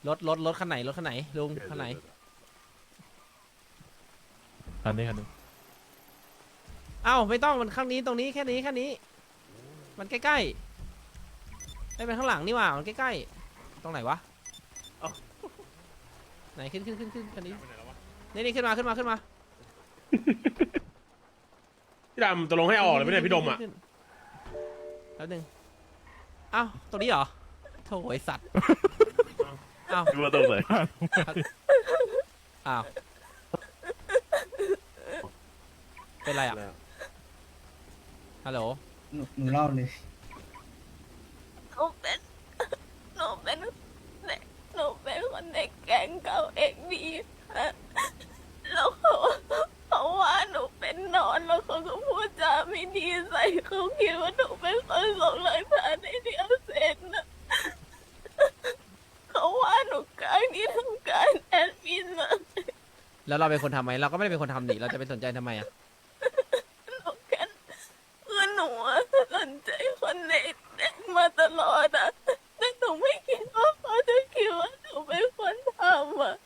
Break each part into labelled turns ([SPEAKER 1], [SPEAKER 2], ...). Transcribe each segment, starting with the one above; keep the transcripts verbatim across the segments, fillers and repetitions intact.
[SPEAKER 1] รถรถรถคันไหนรถคันไหนลุงคันไหน
[SPEAKER 2] คันนี้คันนี้
[SPEAKER 1] เอ้าไม่ต้องมันข้างนี้ตรงนี้แค่นี้แค่นี้ มันใกล้ๆไม่เป็นข้างหลังนี่หว่ามันใกล้ๆตรงไหนวะไหนขึ้นขึ้นขึ้นขึ้นคันนี้นี่นี่ขึ้นมาขึ้นมาขึ้นมา
[SPEAKER 3] พี่ดำตกลงให้ออกเลยไม่ได้พี่ดมอ่ะ
[SPEAKER 1] แล้วหนึ่งเอ้าตรงนี้เหรอโถ่ไอสัตว์เอ้า
[SPEAKER 2] ดูว่าตรงไหน
[SPEAKER 1] อ้าวเป็นไรอ่ะฮัลโหล
[SPEAKER 4] หนูหนูเล่าเลย
[SPEAKER 5] หนูเป็นหนูเป็นเด็กหนูเป็นคนในแก๊งเก่าเอกดีค่ะแล้วเขาเขาว่าหนูเป็นนอนแล้วเขาก็พูดจาไม่ดีใส่เขาคิดว่าหนูเป็นคนส่งหลักฐานในที่เอาเซ็นนะเขาว่าหนูกลางที่ทำการแอดมินมา
[SPEAKER 1] แล้วเราเป็นคนทำไหมเราก็ไม่ได้เป็นคนทำนี่เราจะไปสนใจทำไมอ่ะ
[SPEAKER 5] หนูแค่คือหนูอะสนใจคนในแก๊งมาตลอดอะแต่หนูไม่คิดว่าเขาจะคิดว่าหนูเป็นคนทำอะ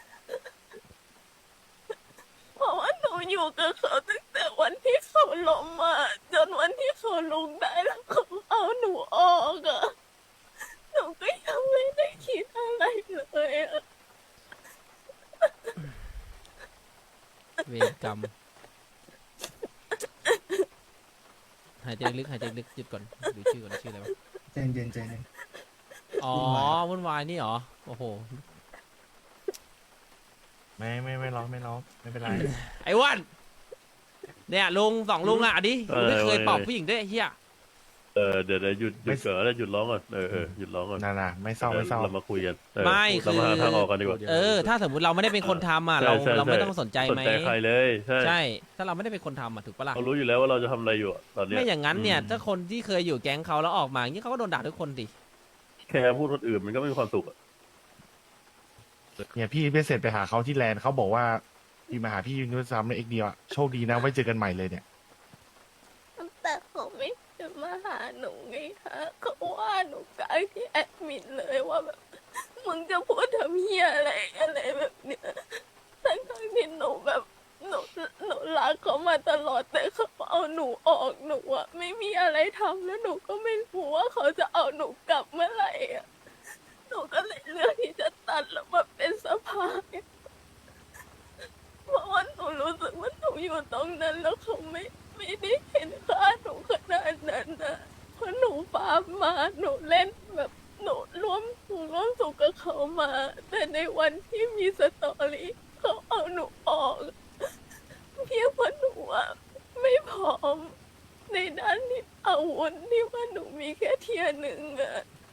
[SPEAKER 5] เพราะว่าหนูอยู่กับเขาตั้งแต่วันที่เขาล้มมาจนวันที่เขาลุกได้แล้วเขาเอาหนูออกอะหนูก็ยังไม่ได้คิดอะไรเลยอะ
[SPEAKER 1] เวรกรรมหายใจลึกหายใจลึกหยุดก่อนดูชื่อก่อนชื่ออะไรวะ
[SPEAKER 4] ใจเย็นใจเย็น
[SPEAKER 1] อ๋อวุ่นวายนี่เหรอโอ้โห
[SPEAKER 2] ไม่ไม่ไม่ร้องไม่ร้องไม่เป็นไร
[SPEAKER 1] ไอ้อ้วันเนี่ยลุงสองลุงอ่ะอันนี้กูไม่เคยปอบผู้หญิงด้วยไอ้เฮีย
[SPEAKER 6] เออเดี๋ยวเดี๋ยวหยุดหยุดเกิดแล้วหยุดร้องก่อนเออเออหยุดร้องก่อน
[SPEAKER 2] น่าน่ะไม่เศร้าไม่เศร้า
[SPEAKER 6] เรามาคุยกันเออ
[SPEAKER 1] ไม่
[SPEAKER 6] เรา
[SPEAKER 1] คือ
[SPEAKER 6] มาหาทางออกกันดีกว่า
[SPEAKER 1] เออถ้าสมมติเราไม่ได้เป็นคนทำอ่ะ
[SPEAKER 6] ใช่
[SPEAKER 1] เรา
[SPEAKER 6] ใช่
[SPEAKER 1] เราไม่
[SPEAKER 6] ใช่
[SPEAKER 1] ต้องสนใจ
[SPEAKER 6] ส
[SPEAKER 1] ไหม
[SPEAKER 6] นใจใครเลยใช่
[SPEAKER 1] ใช่ ถ้าเราไม่ได้เป็นคนทำอ่ะถูกปะล่ะ
[SPEAKER 6] เรารู้อยู่แล้วว่าเราจะทำอะไรอยู่อะตอนเนี้ย
[SPEAKER 1] ไม่อย่างนั้นเนี่ยถ้าคนที่เคยอยู่แก๊งเขาแล้วออกมาอย่างนี้เขาก็โดนด่าทุกคนดิ
[SPEAKER 6] แค่พูดคนอื่นมันก็ไม่มีความสุขอะ
[SPEAKER 2] เนี่ยพี่ไปเสร็จไปหาเขาที่แลนด์เขาบอกว่าพี่มาหาพี่ยูนิซ้ำในเอ็กเดียวอะโชคดีนะไว้เจอกันใหม่เลยเนี่ย
[SPEAKER 5] แต่เขาไม่จะมาหาหนูไงคะเขาว่าหนูกลางที่แอดมินเลยว่าแบบมึงจะพูดทำเฮียอะไรอะไรแบบเนี้ยทั้งทั้งที่หนูแบบหนูหนูรักเขามาตลอดแต่เขาเอาหนูออกหนูอะไม่มีอะไรทำแล้วหนูก็ไม่รู้ว่าเขาจะเอาหนูกลับเมื่อไหร่อะหนูก็เลยเลือกที่จะตัดแล้วมาเป็นสะพายเพราะว่าหนูรู้สึกว่าหนูอยู่ตรงนั้นแล้วเขาไม่ไม่ได้เห็นค่าหนูขนาดนั้นนะเพราะหนูฟาร์มมาหนูเล่นแบบหนูร่วมหนูร่วมสุขกับเขามา แต่ในวันที่มีสตอรี่เขาเอาหนูออกเพียงเพราะหนูอะไม่พร้อมในด้านที่อาวุธที่ว่าหนูมีแค่เทียร์หนึ่งอะ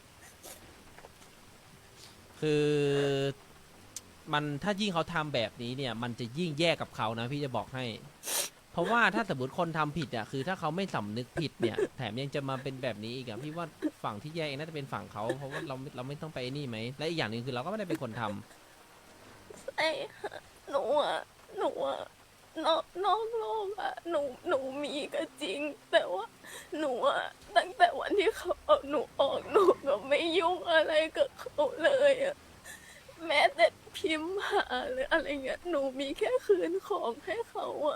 [SPEAKER 1] คือมันถ้ายิ่งเขาทำแบบนี้เนี่ย มันจะยิ่งแย่กับเขานะพี่จะบอกให้ เพราะว่าถ้าสมมติคนทำผิดอ่ะคือถ้าเขาไม่สำนึกผิดเนี่ย แถมยังจะมาเป็นแบบนี้อีกอ่ะพี่ว่าฝั่งที่แย่เองน่าจะเป็นฝั่งเขาเพราะว่าเราเราไม่ต้องไปนี่ไหมและอีกอย่างหนึ่งคือเราก็ไม่ได้เป็นคนทำ
[SPEAKER 5] ใช่ค่ะหนูอะหนูอะนอกนอกโลกอะหนูหนูมีก็จริง แต่ว่าหนูอะตั้งแต่วันที่เขาเอาหนูออกหนูก็ไม่ยุ่งอะไรกับเขาเลยอะแม้แต่พิมพ์หาหรืออะไรเงี้ยหนูมีแค่คืนของให้เขาอะ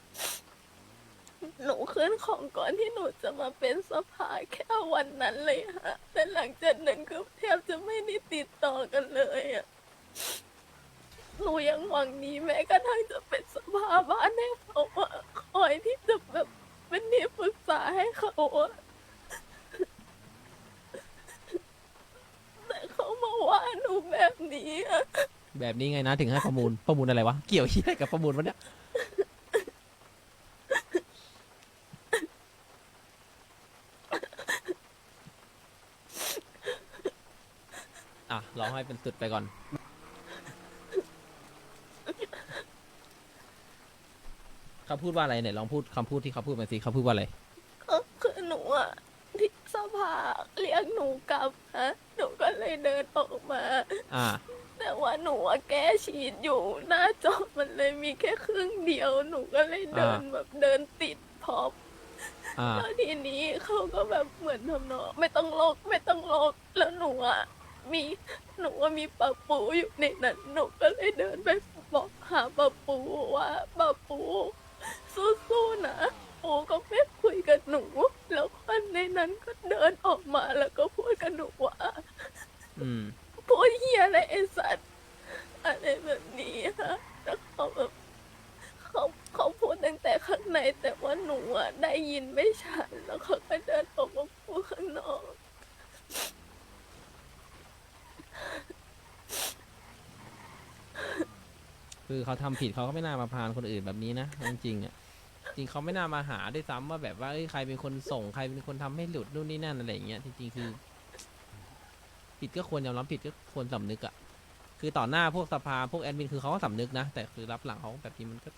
[SPEAKER 5] หนูคืนของก่อนที่หนูจะมาเป็นสภาแค่วันนั้นเลยฮะแต่หลังจากนั้นก็แทบจะไม่ได้ติดต่อกันเลยอะหนูยังหวังดีแม้กระทั่งจะเป็นสภาบ้านให้เขาอะคอยที่จะแบบเป็นที่ปรึกษาให้เขาอะแต่เขามาว่าหนูแบบนี้อะ
[SPEAKER 1] แบบนี้ไงนะถึงให้ประมูลประมูลอะไรวะเกี่ยวที่อะไรกับประมูลวะเนี่ยอ่ะร้องให้เป็นสุดไปก่อนเขาพูดว่าอะไรเนี่ยลองพูดคำพูดที่เขาพูดมาสิเขาพูดว่าอะไร
[SPEAKER 5] ก็คือหนูอะที่สภาเรียกหนูกลับนะหนูก็เลยเดินออกมา
[SPEAKER 1] อ่า
[SPEAKER 5] แต่ว่าหนูอะแก้ฉีดอยู่หน้าจอมันเลยมีแค่ครึ่งเดียวหนูก็เลยเดิน
[SPEAKER 1] อ่า
[SPEAKER 5] แบบเดินติดพร็อพ
[SPEAKER 1] อ่า
[SPEAKER 5] แล้วทีนี้เขาก็แบบเหมือนทำนองไม่ต้องโลกไม่ต้องโลกแล้วหนูอะมีหนูว่ามีป้าปูอยู่ในนั้นหนูก็เลยเดินไปบอกหาป้าปูว่าป้าปูสู้ๆนะปูก็ไม่คุยกับหนู แล้วคนในนั้นก็เดินออกมาแล้วก็พูดกับหนูว่า
[SPEAKER 1] อืม
[SPEAKER 5] พูดเฮียอะไรไอ้สัตว์อะไรแบบนี้ค่ะแล้วเขาแบบเขาเขาพูดตั้งแต่ข้างในแต่ว่าหนูอ่ะได้ยินไม่ชัดแล้วเขาก็เดินออกมาพูดข้างนอก
[SPEAKER 1] คือเขาทำผิดเขาก็ไม่น่ามาพานคนอื่นแบบนี้นะจริงๆอ่ะจริงเขาไม่น่ามาหาด้วยซ้ำว่าแบบว่าเอ้ยใครเป็นคนส่งใครเป็นคนทำให้หลุดนู่นนี่นั่นอะไรอย่างเงี้ยจริงๆคือ ผิดก็ควรยอมรับผิดก็ควรสำนึกอ่ะคือต่อหน้าพวกสภาพวกแอดมินคือเขาก็สำนึกนะแต่คือรับหลังเขาแบบนี้มันก็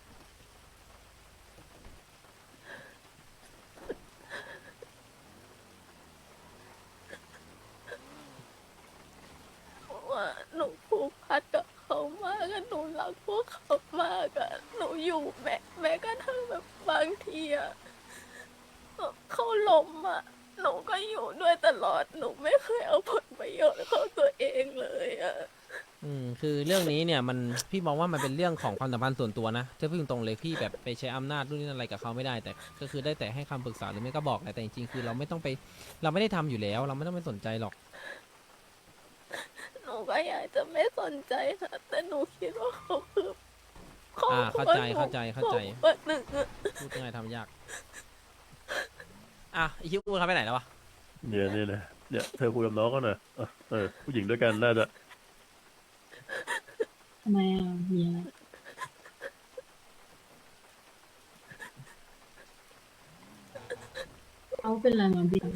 [SPEAKER 5] ว่าหนูผูกพันกับเขามากอะหนูรักพวกเขามากอะหนูอยู่แม้แม้กระทั่งแบบบางทีอะเขาล้มอะหนูก็อยู่ด้วยตลอดหนูไม่เคยเอาผลประโยชน์เข้าตัวเองเลยอะ
[SPEAKER 1] อืมคือเรื่องนี้เนี่ยมันพี่มองว่ามันเป็นเรื่องของความสัมพันธ์ส่วนตัวนะจะพูดตรงๆเลยพี่แบบไปใช้อำนาจนู่นนี่นั่นอะไรกับเขาไม่ได้แต่ก็คือได้แต่ให้คำปรึกษาหรือไม่ก็บอกแหละแต่จริงๆคือเราไม่ต้องไปเราไม่ได้ทำอยู่แล้ว เราไม่ต้องไปสนใจหรอก
[SPEAKER 5] หนูก็อยากจะไม่สนใจค่ะแต่หนูคิดว่าเขาคือครอบ
[SPEAKER 1] อ่า
[SPEAKER 5] ครั
[SPEAKER 1] เข้าว ใจ
[SPEAKER 5] หนู
[SPEAKER 1] เข้าใจเข้าใจ
[SPEAKER 5] ครอบครัวหนึ่งอะ
[SPEAKER 1] พูดยังไงทำยากอ่ะไอคิวพูดเขาไปไหนแล้ววะ
[SPEAKER 6] เนี่ยเนี่ยนะเนี่ยเธอคุยกับน้องก็หน่อยเออเออผู้หญิงด้วยกันน่าจะ
[SPEAKER 7] ทำไมอ่ะมีอะไรเขาเป็นอะไรมาพี่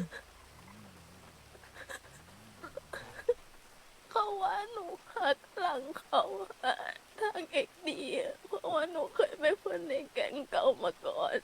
[SPEAKER 5] เขาว่าหนูหักหลังเขาอะทางเอกดีอะเพราะว่าหนูเคยเป็นคนในแก๊งเก่ามาก่อน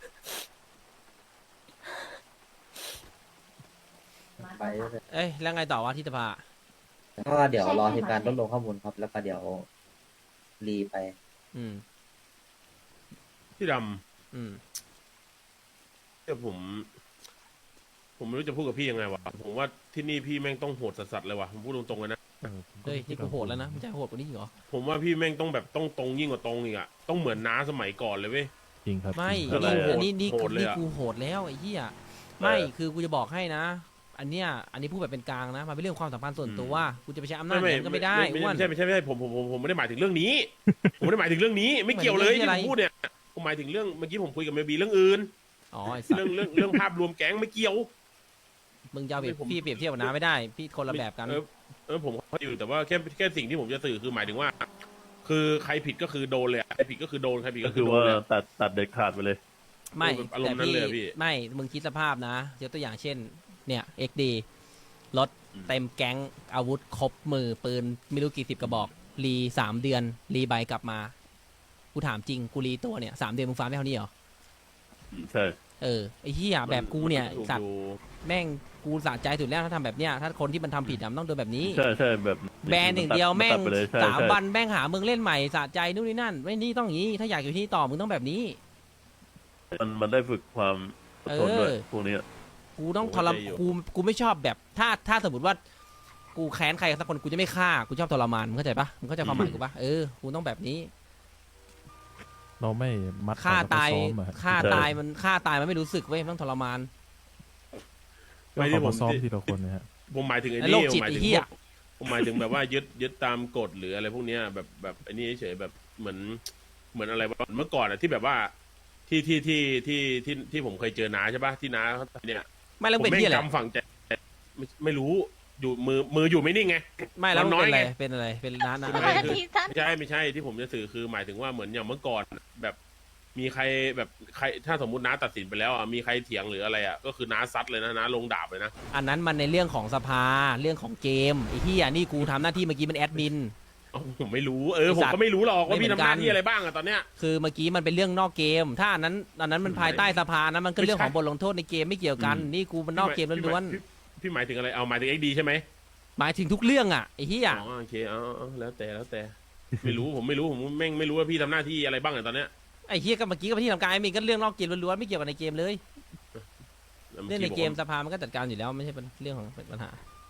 [SPEAKER 8] ไปเลย
[SPEAKER 1] เอ้ยแล้วไงต่อวะที่สภา
[SPEAKER 8] ก็เดี๋ยวรอทีมงานรวบรวมข้อมูลครับ แล้วก็เดี๋ยวรีไป
[SPEAKER 1] อืม
[SPEAKER 3] พี่ด
[SPEAKER 1] อืม
[SPEAKER 3] ำเนี่ยผม ผมไม่รู้จะพูดกับพี่ยังไงวะผมว่าที่นี่พี่แม่งต้องโหดสัสๆเลยว่ะผมพูดตรงๆเลยนะ
[SPEAKER 1] เฮ้ยนี่กูโหดแล้วนะมึงจะโหดกว่านี้อีกเหรอ
[SPEAKER 3] ผมว่าพี่แม่งต้องแบบต้องตรงยิ่งกว่าตรงอีกอะต้องเหมือนน้าสมัยก่อนเลยเว้ย
[SPEAKER 2] จริงครับ
[SPEAKER 1] ไม่
[SPEAKER 2] จริง
[SPEAKER 3] อะไร
[SPEAKER 1] นี่
[SPEAKER 3] อะ
[SPEAKER 1] นี่นี่
[SPEAKER 3] โห
[SPEAKER 1] กู
[SPEAKER 3] ดเลย
[SPEAKER 1] นี่
[SPEAKER 3] อะ
[SPEAKER 1] กูโหดแล้วไอ้เหี้ยไม่คือกูจะบอกให้นะ อันเนี้ยอันนี้พูดแบบเป็นกลางนะมันเป็นเรื่องความสัมพันธ์ส่วนตัวกูจะไปใช้อำนาจอย่างนั้นก็ไม่ได้
[SPEAKER 3] ไม่
[SPEAKER 1] อ้วน
[SPEAKER 3] ใช่ไม่ใช่ไม่ใช่ผมผมผมผมไม่ได้หมายถึงเรื่องนี้ ผมไม่ได้หมายถึงเรื่องนี้ ไม่เกี่ยวเลย
[SPEAKER 1] หมายถึง
[SPEAKER 3] ที่
[SPEAKER 1] เรื่อง
[SPEAKER 3] ผ
[SPEAKER 1] อะไร
[SPEAKER 3] มพูดเนี่ยผมหมายถึงเรื่องเมื่อกี้ผมคุยกับเมบีเรื่องอื่น
[SPEAKER 1] อ๋อไอ้สัต
[SPEAKER 3] เรื่อง
[SPEAKER 1] ว์
[SPEAKER 3] เรื่องเรื่องภาพรวมแก๊งไม่เกี่ยว
[SPEAKER 1] มึงจะเอาเปรียบ
[SPEAKER 3] ผม
[SPEAKER 1] พี่เปรียบเทียบกับน้าไม่ได้ พี่คนละแบบกัน
[SPEAKER 3] เออเออผมเข้าใจอยู่แต่ว่าแค่แค่สิ่งที่ผมจะสื่อคือหมายถึงว่า คือใครผิดก็คือโดนเลยอะใครผิดก็คือโดนใครผิด
[SPEAKER 6] ก็
[SPEAKER 3] ก็
[SPEAKER 6] คื
[SPEAKER 3] คือ อโด
[SPEAKER 6] ว่าน
[SPEAKER 3] เลย
[SPEAKER 6] ตัดตัดเด็ดขาดไปเลย
[SPEAKER 1] ไม่
[SPEAKER 3] อารม
[SPEAKER 1] แต่
[SPEAKER 3] ณ์นั้นเลยอะพี่
[SPEAKER 1] ไม่มึงคิดสภาพนะยกตัวอย่างเช่น เนี่ย เอ็ก ดี รถ
[SPEAKER 3] อืม
[SPEAKER 1] เต็มแก๊งอาวุธครบมือปืนไม่รู้กี่สิบกระบอก รีสามเดือน รีใบกลับมา กูถามจริงกูรีตัวเนี่ยสามเดือนมึงฟาร์มได้เท่านี้เหรอ
[SPEAKER 6] ใช่
[SPEAKER 1] เออไอ้เหี้ยแบบกูเนี่ย
[SPEAKER 3] ถูก
[SPEAKER 1] สัตว์
[SPEAKER 3] อยู่
[SPEAKER 1] แม่งกูสะใจสุดแล้วถ้าทำแบบเนี้ยถ้าคนที่มันทำผิดอะมันต้องโดนแบบนี้
[SPEAKER 6] ใช่ใช่แบบ
[SPEAKER 1] แบนอย่างเดียวแม่
[SPEAKER 6] ตั
[SPEAKER 1] ง
[SPEAKER 6] ไปเลยใช่
[SPEAKER 1] สาม
[SPEAKER 6] ใช่
[SPEAKER 1] วันแม่งหามึงเล่นใหม่สะใจนู่นนี่นั่นไม่นี่ต้องอย่างนี้ ถ้าอยากอยู่ที่นี่ต่อมึงต้องแบบนี้
[SPEAKER 6] มันมันได้ฝึกความอดทนด้วย
[SPEAKER 1] เออ
[SPEAKER 6] พวกเนี้ย
[SPEAKER 1] กูต้อง
[SPEAKER 3] โอ้
[SPEAKER 1] ทรม
[SPEAKER 3] ใจอยู่
[SPEAKER 1] กูกูไม่ชอบแบบ ถ้าถ้าสมมติว่า กูแค้นใครสักคนกูจะไม่ฆ่ากูชอบทรมานมึงเข้าใจปะมึงเข้าใจความหมายกูปะเออกูต้องแบบนี้
[SPEAKER 2] เราไม่มัด
[SPEAKER 1] ฆ่าตาย
[SPEAKER 2] เขมอะ
[SPEAKER 1] ฆ่าตายมันฆ่าตายมันไม่รู้สึกเว้ยมันต้องทรมาน
[SPEAKER 2] ก็
[SPEAKER 3] ไม่
[SPEAKER 2] เขา
[SPEAKER 3] ที่ผม
[SPEAKER 2] มาซ้อมทีละคนนะฮะ
[SPEAKER 3] ผมหมายถึงไอ้
[SPEAKER 1] ไอ้
[SPEAKER 3] นี่
[SPEAKER 1] โรค
[SPEAKER 3] ผ
[SPEAKER 1] จิ
[SPEAKER 3] ม
[SPEAKER 1] ต
[SPEAKER 3] หมายถึง
[SPEAKER 1] ไอ้เหี้
[SPEAKER 3] พ
[SPEAKER 1] ย
[SPEAKER 3] วกผมหมายถึงแบบว่ายึดยึดตามกฎหรืออะไรพวกเนี้ยแบบแบบไอ้นี่เฉยๆแบบเหมือนเหมือนอะไรวะเมื่อก่อนอะที่แบบว่าที่ที่ที่ที่ที่ที่ผมเคยเจอน้าใช่ปะที่น้าเขาเนี่ย
[SPEAKER 1] ไม่แล้ว
[SPEAKER 3] ผม
[SPEAKER 1] เป็น
[SPEAKER 3] แม่ง
[SPEAKER 1] ที่อะไร
[SPEAKER 3] จำฝังใจไม่ไม่รู้อยู่มือมืออยู่ไม่นิ่งไง
[SPEAKER 1] ไม่แล้ว
[SPEAKER 3] มัน
[SPEAKER 1] มัน
[SPEAKER 3] น้อย
[SPEAKER 1] เป็นอะไร
[SPEAKER 3] ไง
[SPEAKER 1] เป็นอะไรเป็นร้านอะ
[SPEAKER 3] คือ
[SPEAKER 1] ไร
[SPEAKER 3] ไม่
[SPEAKER 5] ที่ท่าน
[SPEAKER 3] ไม่ใช่ไม่ใช่ที่ผมจะสื่อคือหมายถึงว่าเหมือนอย่างเมื่อก่อนแบบมีใครแบบใครถ้าสมมติน้าตัดสินไปแล้วอ่ะมีใครเถียงหรืออะไรอ่ะก็คือน้าซัดเลยนะน้าลงดาบเลยนะ
[SPEAKER 1] อันนั้นมันในเรื่องของสภาเรื่องของเกมไอ้ที่อ่ะนี่กูทำหน้าที่เมื่อกี้มันแอดมิน
[SPEAKER 3] เอ้าผมไม่รู้เออ
[SPEAKER 1] ไอ้
[SPEAKER 3] ผม
[SPEAKER 1] สัตว์
[SPEAKER 3] ก็ไม่รู้หรอกว่า
[SPEAKER 1] ไม่
[SPEAKER 3] พี่
[SPEAKER 1] เหมือน
[SPEAKER 3] ทำหน้า
[SPEAKER 1] กัน
[SPEAKER 3] ที่อะไรบ้างอ่ะตอนเนี้ย
[SPEAKER 1] คือเมื่อกี้มันเป็นเรื่องนอกเกม ถ้าอันนั้นอันนั้นมันภายใต้สภานั้นมันก็เรื่องของบทลงโทษในเกมไม่เกี่ยวกัน
[SPEAKER 3] อืม
[SPEAKER 1] นี่กูมันนอกเกมล้วน
[SPEAKER 3] พี่พี่หมายถึงอะไรเอาหมายถึงเอ็กดีใช่ไหม
[SPEAKER 1] ๆหมายถึงทุกเรื่องอ่ะไอ้ที่อ่ะ
[SPEAKER 3] อ๋อโอเคเอาเอาแล้วแต่แล้วแต่ ไม่รู้ผมไม่รู้ผมแม่งไม่รู้ว่าพี่ทำหน้าที่อะไรบ้างอ่ะตอนเนี้ย
[SPEAKER 1] ไอ้เฮียก็เมื่อกี้ก็ไปที่ทำการไอ้มีก็เรื่องนอกเกมล้วนๆไม่เกี่ยวกับในเกมเลย
[SPEAKER 3] แล้ว
[SPEAKER 1] เรื่องใน
[SPEAKER 3] อ
[SPEAKER 1] เกม
[SPEAKER 3] บอก
[SPEAKER 1] สภามันก็จัดการอยู่แล้วไม่ใช่เป็นเรื่องของปัญหา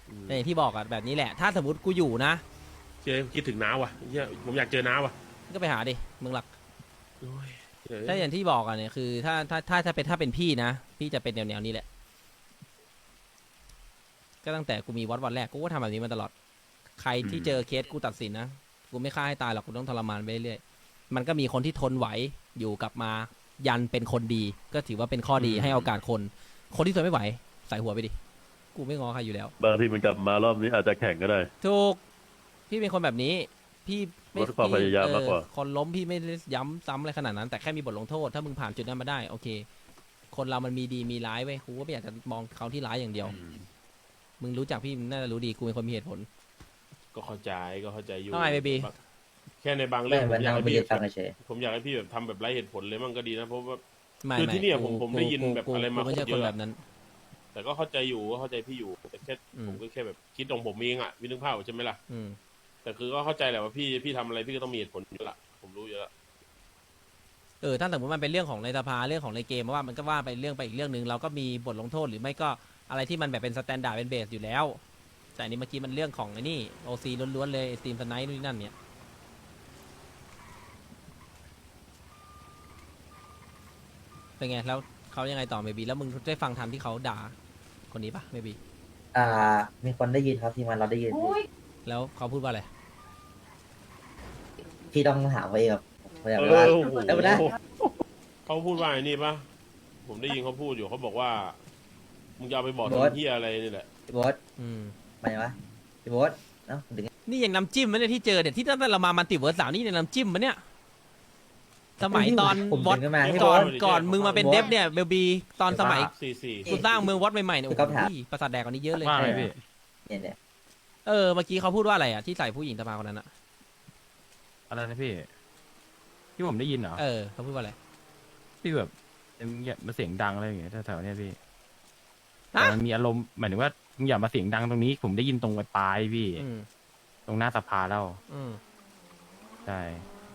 [SPEAKER 3] อืม
[SPEAKER 1] แต่อย่างที่บอกอะแบบนี้แหละ ถ้าสมมติกูอยู่นะ
[SPEAKER 3] เจ๊คิดถึงน้าว่ะเหี้ยผมอยากเจอน้าว่ะ
[SPEAKER 1] ก็ไปหาดิมึงหลัก
[SPEAKER 3] โอ้ยเจ๊
[SPEAKER 1] ถ้าอย่างที่บอกอะเนี่ยคือถ้าถ้าถ้าถ้าเป็นถ้าเป็นพี่นะ พี่จะเป็นแนวแนวๆนี้แหละ ก็ตั้งแต่กูมีวัดวันแรกกูก็ทำแบบนี้มาตลอด ใครที่เจอเคสกูตัดสินนะกูไม่ฆ่าให้ตายหรอกกูต้องทรมานไปเรื่อยๆมันก็มีคนที่ทนไหวอยู่กลับมา ยันเป็นคนดี ก็ถือว่าเป็นข้อดีให้โอกาสคน คนที่ทนไม่ไหวใส่หัวไปดิกูไม่งอใครอยู่แล้ว
[SPEAKER 6] บางทีมันกลับมารอบนี้อาจจะแข่งก็ได้
[SPEAKER 1] ถูกพี่เป็นคนแบบนี้ พี่ไม่
[SPEAKER 6] ลดความพยายามมากกว่า
[SPEAKER 1] เออคนล้มพี่ไม่ได้ย้ำซ้ำอะไรขนาดนั้น แต่แค่มีบทลงโทษ ถ้ามึงผ่านจุดนั้นมาได้ โอเค คนเรามันมีดีมีร้ายเว้ยกูก็ไม่อยากจะมองเขาที่ร้ายอย่างเดียว
[SPEAKER 3] อืม
[SPEAKER 1] มึงรู้จักพี่มึงน่าจะรู้ดีกูเป็นคนมีเหตุผล
[SPEAKER 3] ก็เข้าใจก็เข้าใจอยู่
[SPEAKER 1] ว่าไง baby
[SPEAKER 3] แค่ในบางเรื่
[SPEAKER 8] ไม่
[SPEAKER 3] องผ
[SPEAKER 8] มัน
[SPEAKER 3] มอยา
[SPEAKER 8] นั่
[SPEAKER 3] ก
[SPEAKER 8] ง
[SPEAKER 3] ให้
[SPEAKER 8] ไป
[SPEAKER 3] พี่
[SPEAKER 8] เรียนฟังเฉย
[SPEAKER 3] ผมอยากให้พี่แบบทำแบบไร้เหตุผลเลยมั่งก็ดีนะเพราะว่า
[SPEAKER 1] ไม่
[SPEAKER 3] คือ
[SPEAKER 1] ไม่
[SPEAKER 3] ที่เนี่ย
[SPEAKER 1] กู
[SPEAKER 3] ผมผม
[SPEAKER 1] กู
[SPEAKER 3] ได้ยิน
[SPEAKER 1] กู
[SPEAKER 3] แบบ
[SPEAKER 1] กู
[SPEAKER 3] อะไรมา
[SPEAKER 1] กูไม่ใช่
[SPEAKER 3] โคตร
[SPEAKER 1] ค
[SPEAKER 3] เย
[SPEAKER 1] น
[SPEAKER 3] อะ
[SPEAKER 1] แบบนั้น
[SPEAKER 3] แต่ก็เข้าใจอยู่ก็เข้าใจพี่อยู่ แต่แค่
[SPEAKER 1] อืม
[SPEAKER 3] ผมก็แค่แบบคิดของผมเองอ่ะพี่นึกภาพออกใช่ไหมล่ะ
[SPEAKER 1] อืม
[SPEAKER 3] แต่คือก็เข้าใจแหละว่าพี่พี่ทำอะไรพี่ก็ต้องมีเหตุผลอยู่ละผมรู้อยู่แล้ว
[SPEAKER 1] เออถ้าสมมติมันเป็นเรื่องของในสภาเรื่องของในเกมว่ามันก็ว่าไปเรื่องไปอีกเรื่องหนึ่งเราก็มีบทลงโทษหรือไม่ก็อะไรที่มันแบบเป็นสแตนดาร์ดเป็นเบสอยู่แล้ว แต่อันนี้เมื่อกี้มันเรื่องของไอ้นี่โอซีล้วนๆเลยสตรีมสไนท์นู่นนนั่นเนี่ยเป็นไงแล้วเขายังไงต่อเมบีแล้วมึงได้ฟังทันที่เขาด่าคนนี้ปะเมบี
[SPEAKER 8] ๆอ่า มีคนได้ยินครับทีมงานเราได้ยินพี่
[SPEAKER 1] แล้วเขาพูดว่าอะไร
[SPEAKER 8] พี่ต้องถามเขาเองครับผมอยาก
[SPEAKER 3] เอ
[SPEAKER 8] รู้ว่า
[SPEAKER 3] อโอ้โห
[SPEAKER 8] เดี๋ยวนะ
[SPEAKER 3] เขาพูดว่าไอ้นี่ปะผมได้ยินเขาพูดอยู่เขาบอกว่ามึงจะเอาไปบอกทำเฮียอะไรนี่แหละ
[SPEAKER 8] พี่โบ๊ท
[SPEAKER 1] อืม
[SPEAKER 8] มาอย่างวะพี่โบ๊ทเอ้าถึง
[SPEAKER 1] นี่ยังน้ำจิ้มมันเนี่ยที่เจอเนี่ยที่ตั้งแต่เรามามันติเวิร์สสามนี่เนี่ยน้ำจิ้มมันเนี่ยสมัยตอน
[SPEAKER 8] ผม
[SPEAKER 1] วอ
[SPEAKER 8] ดึ
[SPEAKER 1] ต
[SPEAKER 8] งขึ้นมาให้
[SPEAKER 1] ก่
[SPEAKER 8] โบ๊
[SPEAKER 1] อน
[SPEAKER 8] ท
[SPEAKER 1] ก่อนมึงมาเป็นเดฟเนี่ยเบลบีตอนสมัย
[SPEAKER 3] สี่สี่
[SPEAKER 1] กูสร้างเมืองวอตใหม่ๆเนี่ย
[SPEAKER 8] คื
[SPEAKER 1] โอ้
[SPEAKER 8] อคำถาม
[SPEAKER 1] โหประสาทแดกกว่านี้เยอะเลย
[SPEAKER 2] ว่าอะไรพี่
[SPEAKER 8] เนี่ยเนี่ย
[SPEAKER 1] เออเมื่อกี้เขาพูดว่าอะไรอ่ะที่ใส่ผู้หญิงสภาคนนั้นอ่ะ
[SPEAKER 9] อะไรนะพี่ ที่ผมได้ยินเหรอ
[SPEAKER 1] เออเขาพูดว่าอะไร
[SPEAKER 9] พี่แบบอย่ามาเสียงดังอะไรอย่างเงี้ยแถวๆเนี้ยพี่
[SPEAKER 1] ฮะ
[SPEAKER 9] แต่มันมีอารมณ์หมายถึงว่ามึงอย่ามาเสียงดังตรงนี้ ผมได้ยินตรงปลายๆพี่
[SPEAKER 1] อืม
[SPEAKER 9] ตรงหน้าสภาแล้ว
[SPEAKER 1] อืม
[SPEAKER 9] ใช่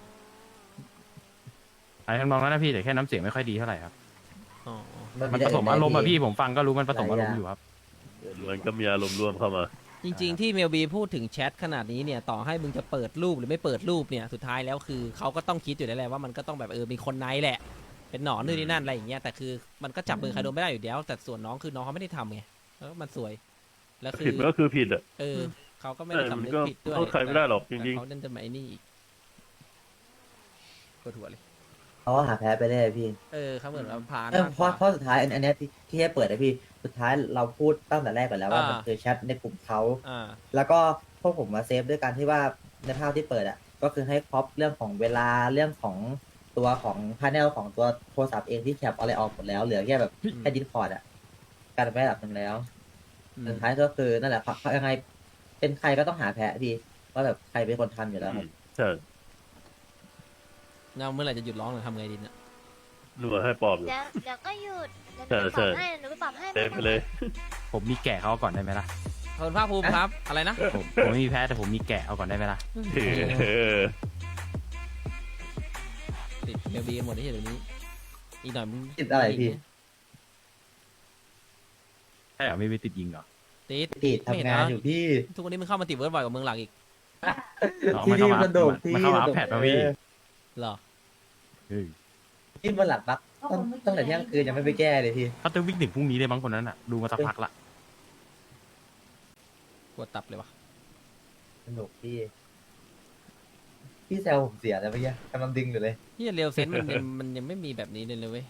[SPEAKER 9] อะไรทำนองนั้นนะพี่แต่แค่น้ำเสียงไม่ค่อยดีเท่าไหร่ครับ
[SPEAKER 1] อ๋อ
[SPEAKER 9] มันผสมอารมณ์อะพี่ผมฟังก็รู้มันผสมอารมณ์อยู่ครับ
[SPEAKER 6] มันก็มีอารมณ์ร่วมเข้ามา
[SPEAKER 1] จริง ๆ ที่เมลบีพูดถึงแชทขนาดนี้เนี่ยต่อให้มึงจะเปิดรูปหรือไม่เปิดรูปเนี่ยสุดท้ายแล้วคือเขาก็ต้องคิดอยู่แล้วแหละว่ามันก็ต้องแบบเออมีคนในแหละ เป็นหนอนนู่นนี่นั่นอะไรอย่างเงี้ยแต่คือมันก็จับมือใครโดนไม่ได้อยู่แล้วแต่ส่วนน้องคือน้องเขาไม่ได้ทำไงแล้วมันสวยแล้วคือ
[SPEAKER 6] ผิดมันก็คือผิดอ่ะ
[SPEAKER 1] เออเขาก็ไม่ได้
[SPEAKER 6] เออมัน
[SPEAKER 1] สำนึก
[SPEAKER 6] ก็
[SPEAKER 1] ผิดด้วย
[SPEAKER 6] โทษใครไม่ได้หรอกจริงๆ
[SPEAKER 1] แต่เขาเดินจะมาไอ้นี่อีกปวดหัวเลย
[SPEAKER 8] เขาก็หาแพ้ไปเรื่อยพี่
[SPEAKER 1] เออเขาเหมือนว่าพา
[SPEAKER 8] เออ
[SPEAKER 1] มาก
[SPEAKER 8] เพ
[SPEAKER 1] กว่า
[SPEAKER 8] ราะเพราะสุดท้ายอันอันเนี้ยที่ที่ให้เปิดนะพี่ สุดท้ายเราพูดตั้งแต่แรกก่อนแล้วว่า
[SPEAKER 1] อ่ามั
[SPEAKER 8] มันคือแชทในกลุ่มเขา
[SPEAKER 1] อ่า
[SPEAKER 8] แล้วก็พวกผมมาเซฟด้วยการที่ว่าในภาพที่เปิดอ่ะ ก็คือให้ครอปเรื่องของเวลาเรื่องของตัวของพาเนลของตัวโทรศัพท์เองที่แคปอะไรออกหมดแล้วเหลือแค่แบบแค่ดิสคอร์ดอ่ะการไประดับหนึ่งแล้ว
[SPEAKER 1] อืม
[SPEAKER 8] สุดท้ายก็คือนั่นแหละครับยังไงเป็นใครก็ต้องหาแพ้พี่ว่าแบบใครเป็นคนทำอยู่แล้วครับ
[SPEAKER 6] ใช่
[SPEAKER 1] เงาเมื่อไหร่จะหยุดร้องหรือทำไงดีเนี่ย
[SPEAKER 6] หนูให้ปอบอยู่
[SPEAKER 5] เดี๋ยวเดี๋ยวก็หยุดเดี๋ยวห
[SPEAKER 6] ใช่
[SPEAKER 5] นูไป
[SPEAKER 6] ใช่
[SPEAKER 5] ปรับให้หนูไปปรับให้
[SPEAKER 6] เต็มไปเลย
[SPEAKER 9] ผมมีแกะเขาก่อนได้ไหมล่ะ
[SPEAKER 1] ขอบคุณภาคภูมิครับ อะไรนะ
[SPEAKER 9] ผมผมไม่มีแพ้แต่ผมมีแกะเอาก่อนได้ไหมล่ะ
[SPEAKER 6] เออ
[SPEAKER 1] ติดเมลบีกันหมดที่เดี๋ยวนี้ อีกหน่อยมึง
[SPEAKER 8] ติดอะไรพี่
[SPEAKER 9] ใช่เหรอไม่ไปติดยิงเหรอ
[SPEAKER 1] ติด
[SPEAKER 8] ติดทำงานอยู่พี่
[SPEAKER 1] ทุกวันนี้มึงเข้ามาติดเวิร์ดบ่อยกว่าเมืองหลักอีก
[SPEAKER 9] เอามันเข้ามา
[SPEAKER 8] ที่มันโดดที่
[SPEAKER 9] มันเข้ามาอัพแพดมาพี่
[SPEAKER 1] เหรอ
[SPEAKER 9] เฮ้ย
[SPEAKER 8] ที่มันหลักปักตั้งตั้งแต่เที่ยงคืนยังไม่ไปแก้เลยพี่
[SPEAKER 9] เขาจะวิ่งถึงพรุ่งนี้เลยมั้งคนนั้นอ่ะดูมาสักพักละ
[SPEAKER 1] ปวดตับเลยวะ
[SPEAKER 8] สนุกพี่ พี่แซวผมเสียแล้วเมื่อกี้กำลังดึงอยู่เลย
[SPEAKER 1] ที่เรียวเซนต์มันยังมันยังไม่มีแบบนี้เลยเลยเว้ย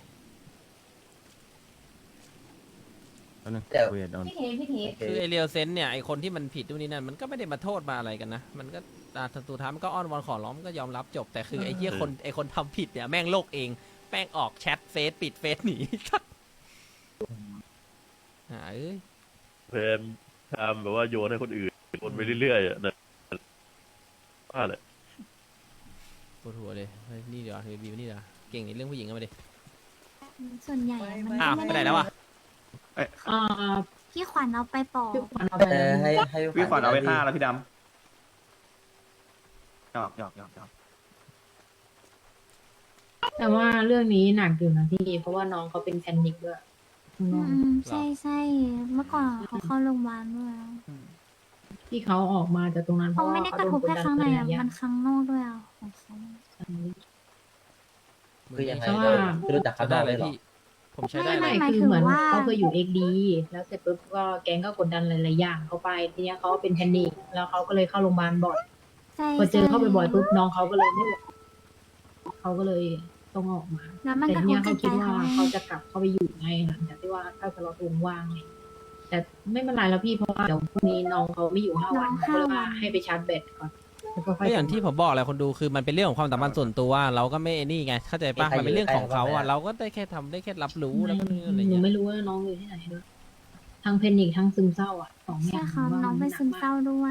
[SPEAKER 9] แป๊บนึง
[SPEAKER 8] เดี๋ยว
[SPEAKER 9] คุยกับโดน
[SPEAKER 7] พี่เทพี่เท
[SPEAKER 8] โอเค
[SPEAKER 1] คือไอเรียวเซนต์เนี่ยไอคนที่มันผิดตรงนี้นั่นมันก็ไม่ได้มาโทษมาอะไรกันนะ มันก็อ่าสุดท้ายมันก็อ้อนวอนขอร้องมันก็ยอมรับจบ แต่คือไอเหี้ยคนไอคนทำผิดเนี่ยแม่งโลกเองแม่งออกแชทเฟซปิดเฟซหนี หาเอ้ย
[SPEAKER 6] เพมทำแบบว่าโยนให้คนอื่นโยนไปเรื่อยๆอ่ะนะว่าแหละ
[SPEAKER 1] ปวดหัวเลยเฮ้ยนี่เดี๋ยวเฮ้ยบีมนี่เดี๋ยวเก่งในเรื่องผู้หญิงกันมาดิ
[SPEAKER 5] ส่วนใหญ่อะมัน
[SPEAKER 1] อ้าวไปไหนแล้ววะ
[SPEAKER 7] อ่า
[SPEAKER 5] พี่ขวัญเอาไปปอก
[SPEAKER 7] พี่ขวัญเอาไป
[SPEAKER 8] เออให้ให้
[SPEAKER 10] พี่ขวัญเอาไปห้า
[SPEAKER 8] พี่
[SPEAKER 10] แล้วพี่ดำหยอกหยอกหยอกหยอก
[SPEAKER 7] แต่ว่าเรื่องนี้หนักอยู่นะพี่ เพราะว่าน้องเขาเป็นแพนิคด้วยข้างน
[SPEAKER 5] อื
[SPEAKER 7] อก
[SPEAKER 5] มใช่ใช่เมื่อก่อนเขาเข้าโรงพยาบาลด้วยอะ
[SPEAKER 7] ที่เขาออกมาจากตรงนั้นเพ
[SPEAKER 5] เขา
[SPEAKER 7] ราะว่า
[SPEAKER 5] ไม่ได้กระทบแค่ข้างในอะ
[SPEAKER 7] เขาโด
[SPEAKER 5] มันข้างนอกด้วยอ่ะของเขา
[SPEAKER 8] คือยังไง
[SPEAKER 7] เพราะ
[SPEAKER 8] เรา
[SPEAKER 7] ว่า
[SPEAKER 8] คือรู้จักเขา
[SPEAKER 1] ใช้
[SPEAKER 8] ได้
[SPEAKER 1] ได้
[SPEAKER 8] เล
[SPEAKER 1] เลย ย
[SPEAKER 8] เหรอ
[SPEAKER 1] พี่ ผมใช้ได้
[SPEAKER 5] ไม่
[SPEAKER 1] เล
[SPEAKER 5] ไม่
[SPEAKER 1] ย
[SPEAKER 5] หมาย
[SPEAKER 7] คื
[SPEAKER 5] ถึ
[SPEAKER 7] อง เหมือน
[SPEAKER 5] ว่า
[SPEAKER 7] เขาเคยอยู่เอ็กดีแล้วเสร็จปุ๊บก็แก๊งก็กดดันหลายๆอย่างเขาไปทีเนี้ยเขาเป็นแพนิคแล้วเขาก็เลยเข้าโรงพยาบาลบ่อย
[SPEAKER 5] ใช่
[SPEAKER 7] พอเจอเข้าไป
[SPEAKER 5] ใช่
[SPEAKER 7] บ่อยปุ๊บน้องเขาก็เลยไม่ไหวเขาก็เลยต้องออกมา
[SPEAKER 5] แล้วมัน
[SPEAKER 7] แต่
[SPEAKER 5] กระ
[SPEAKER 7] ที
[SPEAKER 5] ท
[SPEAKER 7] เนี้
[SPEAKER 5] บ
[SPEAKER 7] ย
[SPEAKER 5] จิ
[SPEAKER 7] เขา
[SPEAKER 5] ตใจ
[SPEAKER 7] คิดว่า
[SPEAKER 5] เขาไง
[SPEAKER 7] เขาจะกลับเข้าไปอยู่ไงหลังจากที่ว่าถ้าสล็อตวงว่างไงแต่ไม่เป็นไรแล้วพี่เพราะว่าเดี๋ยวพรุ่งนี้น้องเขาไม่อยู่ห้าวัน
[SPEAKER 5] น้อง
[SPEAKER 7] เขาเลยว่า
[SPEAKER 5] ห้าวัน
[SPEAKER 7] ให้ไปชาร์จแบตก่อนแล้วก็ค่อย
[SPEAKER 1] ก็อย่างที่ผมบอกแหละคนดูคือมันเป็นเรื่องของความสัมพันธ์ส่วนตัวเราก็ไม่นี่ไงเข้าใจปะ
[SPEAKER 8] มีใคร
[SPEAKER 1] มันเป็นเรื่องของเขา
[SPEAKER 8] อยู่ใกล้
[SPEAKER 1] อ่ะ
[SPEAKER 8] เขาไหม
[SPEAKER 1] เราก็ได้แค่ทำได้แค่รับรู้แล้วก็นู่นอะไร
[SPEAKER 7] หนู
[SPEAKER 1] เงี้ย
[SPEAKER 7] ไม่รู้ว่าน้องอยู่ที่ไหนด้วยทั้งแพนิคทั้งซึมเศร้าอ่ะสองอ
[SPEAKER 5] ใช่
[SPEAKER 7] ย่าง
[SPEAKER 5] ค่ะ
[SPEAKER 7] ว่า
[SPEAKER 5] น้อง
[SPEAKER 7] มั
[SPEAKER 5] เป็น
[SPEAKER 7] หก
[SPEAKER 5] ซึม
[SPEAKER 7] ก
[SPEAKER 5] เศร้าด้วย